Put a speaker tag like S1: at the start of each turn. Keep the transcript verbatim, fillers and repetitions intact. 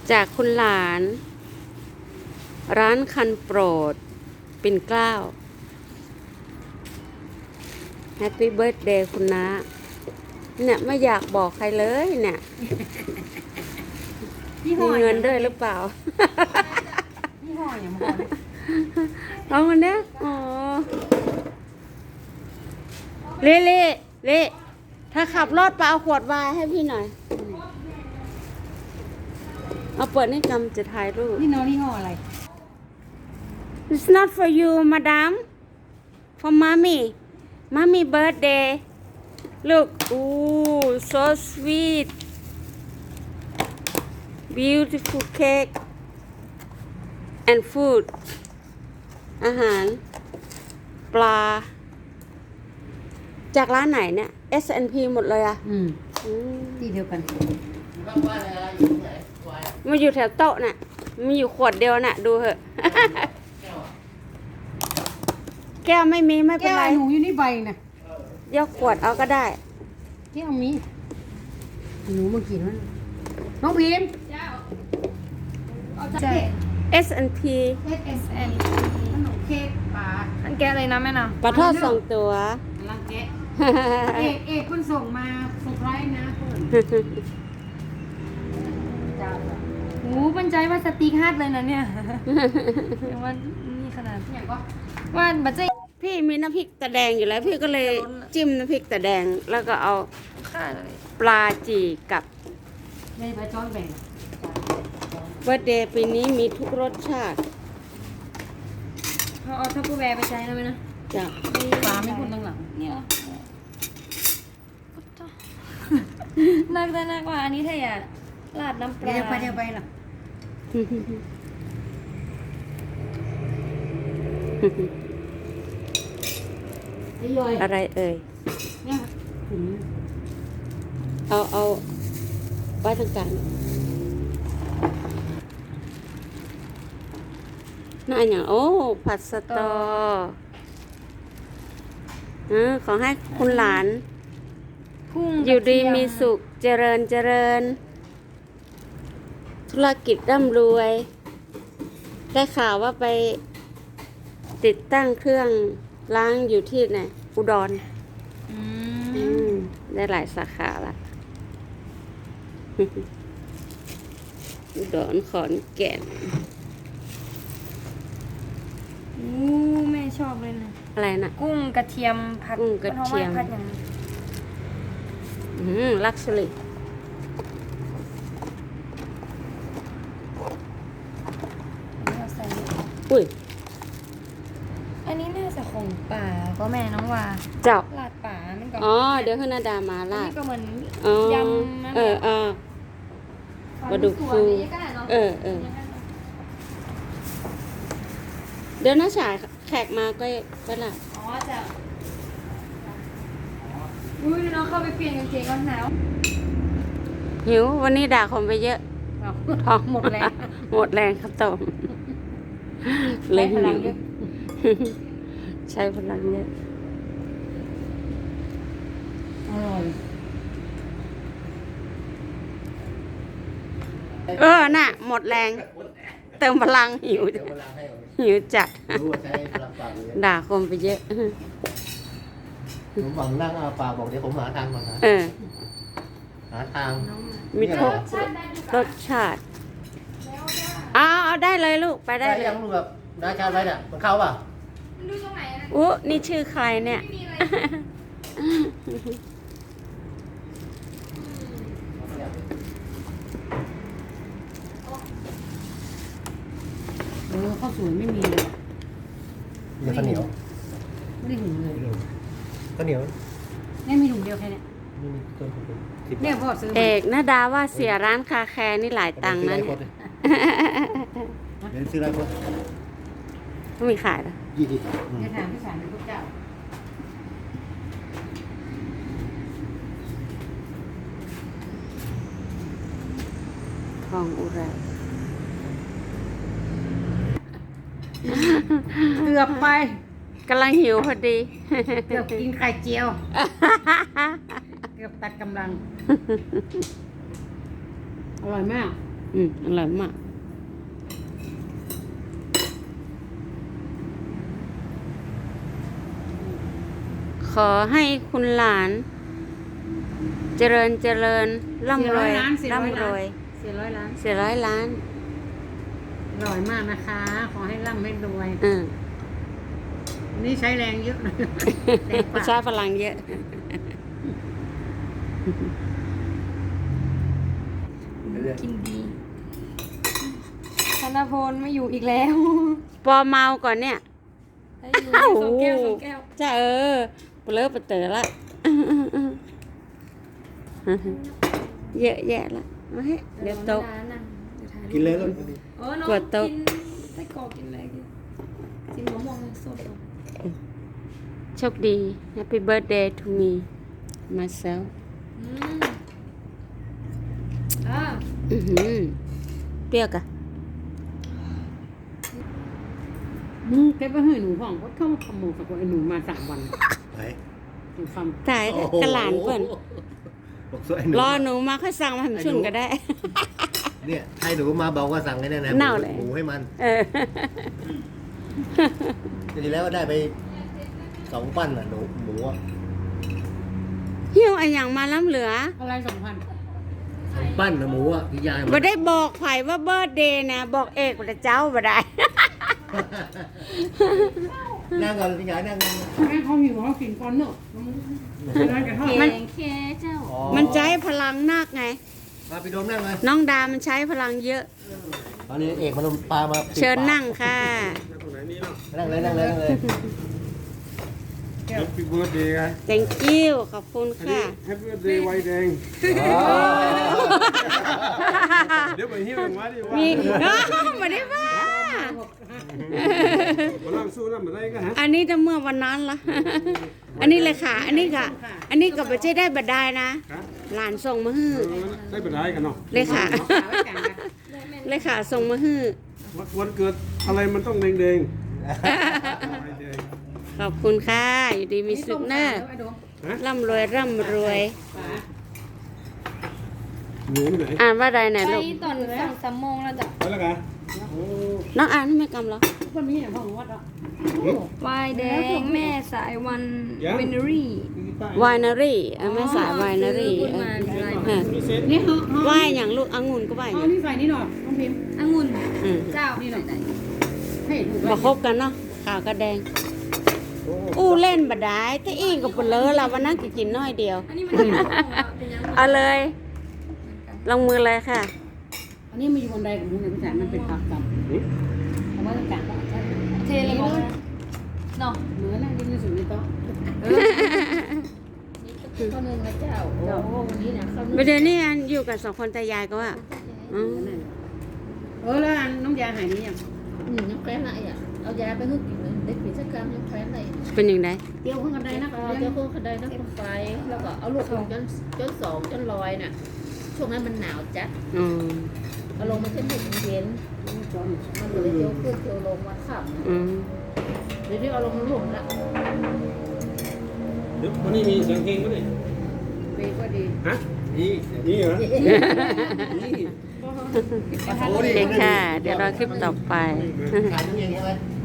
S1: จากคุณหลาน ร้านคันโปรดปิ่นเกล้าแฮปปี้เบิร์ธเดย์คุณน้าเนี่ยไม่อยากบอกใครเลยเนี่ยมีเงินด้วยหรือเปล่า
S2: ยี่ห้ออย่างมัน
S1: เอามันเนี้ยอ๋อเละเละเละถ้าขับรถไปเอาขวดไวน์ให้พี่หน่อยเอาเปิดให้กำจะถ่ายรูป
S2: นี่น้องยี่ห้ออะไร
S1: It's not for you madam for mommy mommy birthday look ooh so sweet beautiful cake and food อาหารปลาจากร้านไหนเนี่ย เอส แอนด์ พี หมดเลยอ่ะ
S2: อืม
S1: อืม
S2: ที่เดียวกัน
S1: มาอยู่แถวโต๊ะน่ะมีอยู่ขวดเดียวน่ะ ดูเหอะ แก้วไม่มีไม่เป็น
S2: แก้ว
S1: ไร
S2: หนูอยู่นี่ใบนะ
S1: ยกขวดเอาก็ได้
S2: แก้วมีหนูมากินมันน้องพิมพ์
S3: ใช่
S1: เอส แอนด์ พี
S2: เอสเอสเอ็นขนมเค้กปลา
S3: อันแกอะไรนะแม่นะ
S1: ปลาทอดสองตัว
S2: ลังแกะเอกเอกเพิ่นส่งมาเซอร์ไพรส์นะเพิ่นจ้า
S3: โอ้บรรจัยว่าสติ๊กฮาร์ดเลยนะเนี่ยยังว่านี่ขนาด
S2: อย่างก็
S3: ว่าบัจจัย
S1: พี่มีน้ำพริกตะแดงอยู่แล้ว พี่ก็เลยจิ้มน้ำพริกตะแดง แล้วก็เอา
S3: ค่าเลย
S1: ปลาจีกับ
S2: ไม่ไปจ้อนแบ่ง
S1: เบอร์เดย์ปีนี้มีทุกรสชาติ
S3: เขาเอาทัพเปอร์แวร์ไปใช้นะแม่นะ
S1: จ้ะ
S2: ปลาไม่พูดตั้งหลัง
S3: เนี่ยเหรอนักแต่นักกว่าอันนี้ถ้าอย่าราดน้ำปลา
S2: เดี๋ยวไปเดี๋ยวไปหรอไอ้ย่อย
S1: อะไรเอ่ย
S2: เนี่ยถึง
S1: เอาเอาไว้ทางกลางน่าอย่างโอ้ผัดสตอเออขอให้คุณหลาน
S3: พุ่ง
S1: อยู่ดี
S3: กระเที
S1: มีสุขเจริญเจริญ ธุรกิจร่ำรวย ได้ข่าวว่าไปติดตั้งเครื่องล้างอยู่ที่ไหนอุดร
S3: อื
S1: อื
S3: ม
S1: มได้หลายสาขาละ อุดรขอนแก่น
S3: โอ้แม่ชอบเลยนะ
S1: อะไรนะ
S3: กุ้งกระเทียมผัด
S1: กุ้งกระเทียม
S3: พราะว่าผัดอย่างนี้
S1: อืมลักซ์รี่
S3: เราใส่
S1: อุ้ย
S3: อันนี้น่าจะของป่าก็แม่น้องว่า
S1: เจ้า
S3: ลาดป่ามันก็
S1: อ๋อ เดี๋ยวให้นาดามา
S3: อัน
S1: ลา
S3: นี้
S1: ด
S3: ก็เหมือน
S1: อ๋อย
S3: ำนั่น
S1: เอ
S3: แห
S1: อ
S3: ละ
S1: เออ ปลาดุกฟู
S3: ก็ได้เนาะ
S1: เออเออ เดี๋ยวน้าฉายแขกมาก็ก็ลาด
S3: อ๋อจะอุ้ยน้องเข้าไปเปลี่ยนกางเกงก่อนหนาว
S1: หิว วันนี้ด่าคนไปเยอะ ท้อง
S2: หมดแล้ว
S1: หมดแรงครับตมเลยหิว ใช้พลังเยอะ
S2: อร่อย
S1: เออ น่ะ หมดแรง เติมพลังหิว หิวจัด
S4: รู้ว่าใช้พลังปากเลย
S1: ด่าคนไปเยอะ
S4: ผมหวังนั่งอาปากบอกเดี๋ยวผมหาทางก่อนนะ
S1: เออ
S4: หาทาง
S1: มีทุกรสชาติเอาเอาได้เลยลูก ไปได้
S4: ได้
S1: เล
S4: ยั
S1: ย
S4: งรู้แบบได้ชาติไว้เนี่ยมันเข้าป่ะ
S3: ดูตรงไหนนะ
S1: อู้นี่ชื่อใครเนี่ย
S3: ไม่มีอะไร
S2: เออข้าวสวยไม่มีเลย
S4: เดี๋ยวข้าวเหนียว
S2: ไม่ได้หุงเลย
S4: ข้าวเหนียว
S2: เนี่ยมีถุงเดียวแค่เนี้ย
S4: นี่ต้นผมสิบ
S2: เนี่ย
S4: บาท
S2: พ่อซื้อ
S1: เอ
S2: มา
S1: กนาดาว่าเสียร้านคาแคร์นี่หลายตังค์นะ
S4: เ
S1: เนี่ย
S4: เดี๋ยวซื้ออะไรพวก
S1: ไม่มีขายเหรอ
S4: ยี่สิบ
S2: เดี๋ยวถามพี่สารเป็นพวกเจ้า
S1: ทองอุไร
S2: เกือบไป
S1: กำลังหิวพอดี
S2: เกือบกินไข่เจียว เกือบตัดกำลัง อร่อยมาก
S1: อืมอร่อยมาก ขอให้คุณหลาน เจริญเจริญร่ำรวย
S2: ล้านสี่ร้อย
S1: ร่ำร
S2: ล้า
S1: วน ย
S2: สี่ร้อยล้าน
S1: สี่ร้อยล้าน
S2: อร่อยมากนะคะ ขอให้ร่ำให้รวย
S1: อืม
S2: นี่ใช้แรงเยอะเลยแรง
S1: ประ
S2: ปา
S1: ชาก พลังเยอะ
S3: กินดีธนพลไม่อยู่อีกแล้ว
S1: ปอเมาก่อนเนี่ย
S3: ได้อยู่สองแก้วสองแก้ว
S1: จะเออเปลือกเปเตอละ เยอะแยะละเอาให้เดี๋ยวตก
S4: กินเลยลูก
S3: เออน้อง
S1: กดโต๊ะ
S3: กินไส้กรอกกินอะไรกินกินมะม่วงสด
S1: โชคดี Happy birthday to me myself
S3: ๆอืมอ่า
S1: อือหือเปรี้ยวกะ
S2: มึงแกไปให้หนูห้องก็เข้ามาขโมยกับไอ้หนูมาสามวัน
S4: ไหน
S2: หนูค
S1: ตายแล้วกระหลานเปิ้น
S4: บอกสวยหนู
S1: รอหนูมาค่อยสั่งมาให้มันชุนก็ได้
S4: เนี่ยให้หนูมาบอกว่าสั่งให้แน่นะ
S1: เน่าเลย
S4: หมูให้มัน
S1: เออ
S4: ทีแล้วได้ไปสองปั้นอ่ะหนูหมูอ่ะ
S1: หิ้วไอ้อย่างมาล้ำเหลือ
S2: ำอะไรสองพัน
S4: สองปั้นนะหมูอ่ะพี่ยาย
S1: บ่ได้บอกไผว่าเบิร์ดเดย์นะ บอกเอกว่าเจ้าบ่ได้
S4: นั่งก่อนพี่ยายนั่งนั่งนั่ง
S2: แม่เขาหิวเขากินก่อนเนอะร้านกระทอด
S3: แก
S1: มัน
S3: งแค่เจ้า
S4: อ๋อ
S1: มันใช้พลังนักไง
S4: มาพี่โดมนั่งเลย
S1: น้องดามันใช้พลังเยอะ
S4: ตอนนี้เอกมันปลามาปิด
S1: เชิญ
S4: ปาก
S1: นั่งค่ะ
S4: นั่งเลยนั่งเลยนั่งเลย
S5: Happy birthday ไง
S1: thank you ขอบคุณ
S5: อันนี้
S1: ค่ะ
S5: Happy birthday ไวน์แดง
S4: อ๋อ
S5: เดี๋ยวไปหิ้วมาดิว่า
S1: มีอ้าวไม่ได้ว่า
S5: มานั่งสู้นั่นมาได้กันฮะ
S1: อันนี้จะเมื่อวันนั้นละ อันนี้เลยค่ะ อันนี้ค่ะ อันนี้ก็ไม่ใช่ได้บัดได้นะ
S5: ครับ
S1: หลานส่งมาฮื้อ
S5: เออได้ไปได้กันเนาะ
S1: เลยค่ะ เลยค่ะส่งมาฮื้อ
S5: วันเกิดอะไรมันต้องแดงๆแดง
S1: ขอบคุณค่ะ อยู่ดีมีสุขเนอะร่ำรวยร่ำรวย
S5: หนูที่ไหน
S1: อ่านว่าใดไหน
S3: ไป
S1: ลูก
S3: ตอนสองสามโมงแล้วจ้ะ
S5: ไปแล้วกัน
S1: น้องอ่านให้แม่กำเหรอ
S2: คนนี้เนี่ยพ่อของวัดอ่ะ
S3: วายแดงแม่สายวันเวเนอรี่
S1: วายนารีแม่สายวายนารี
S3: พูด
S1: เอ
S3: มา
S1: อ
S3: เป็นลาย
S1: เออ
S5: มีเซ็ต
S2: นี่เขาเขา
S1: วายอย่างลูกองุ่นก็วายอ
S2: เขา
S1: ย่าง
S2: นี่ใส่นี่หน่อยน้องพิมพ์
S3: องุ่น
S1: อืม
S3: เจ้านี่หน่อย
S2: ให้หนู
S1: มาคบกันเนาะขาวกับแดง อู้เล่นบัดได้แต่อีกกับเปลือเราวันนั้นก็กินน้อยเดียว
S3: อันนี้มันเป็นของเราเป็นยังไง
S1: เอาเลย ลงมือเลยค่ะ
S2: อันนี้มันอยู่บนใดของมึงเนี่ยพี่จ๋ามันเป็นผักกับเอาไว้ต่างๆก็ใช่
S3: เทเลยบอกนะเนาะ
S2: เหมือนนั่งกินในสุดในโต๊ะ
S6: ข้าวนึ่งนะเจ้า โอ้วันนี้นะข้าวนึ่ง
S1: ประเดี๋ยวนี้อันอยู่กับสองคนตายายก็ว่าอ๋อ
S2: เออแล้วอันน้องยาหายนี่ยัง
S6: อืมยังแคว้นอะไรอ่ะ เอายาไปให้กินเลยเด็กผีสักกรรมยังแคว้นอะไร
S1: เป็นอย่างไร
S2: เกี่ยวข้างกันใดนะ
S6: เออเจ้าพวกเขาได้นักคนไป แล้วก็เอาลูกลงจนจนสองจนลอยน่ะ ช่วงนั้นมันหนาวจัด
S1: อ๋อ
S6: เอาลงมาเช่นเด็กเย็นมันเลยเจียวขึ้นเจียวลงมาขับ
S1: อืม
S6: เดี๋ยวนี้เอาลงมาหลุมละ
S5: เดี๋ยววันนี้มีเสียงเพลงมั้ยนี่
S2: เบก็ดี
S5: ฮะ
S4: นี่
S5: นี่เหรอ
S4: นี่
S1: โอเคค่ะ เดี๋ยวเราคลิปต่อไป
S4: ขายน้ำเย็นใช่ไหม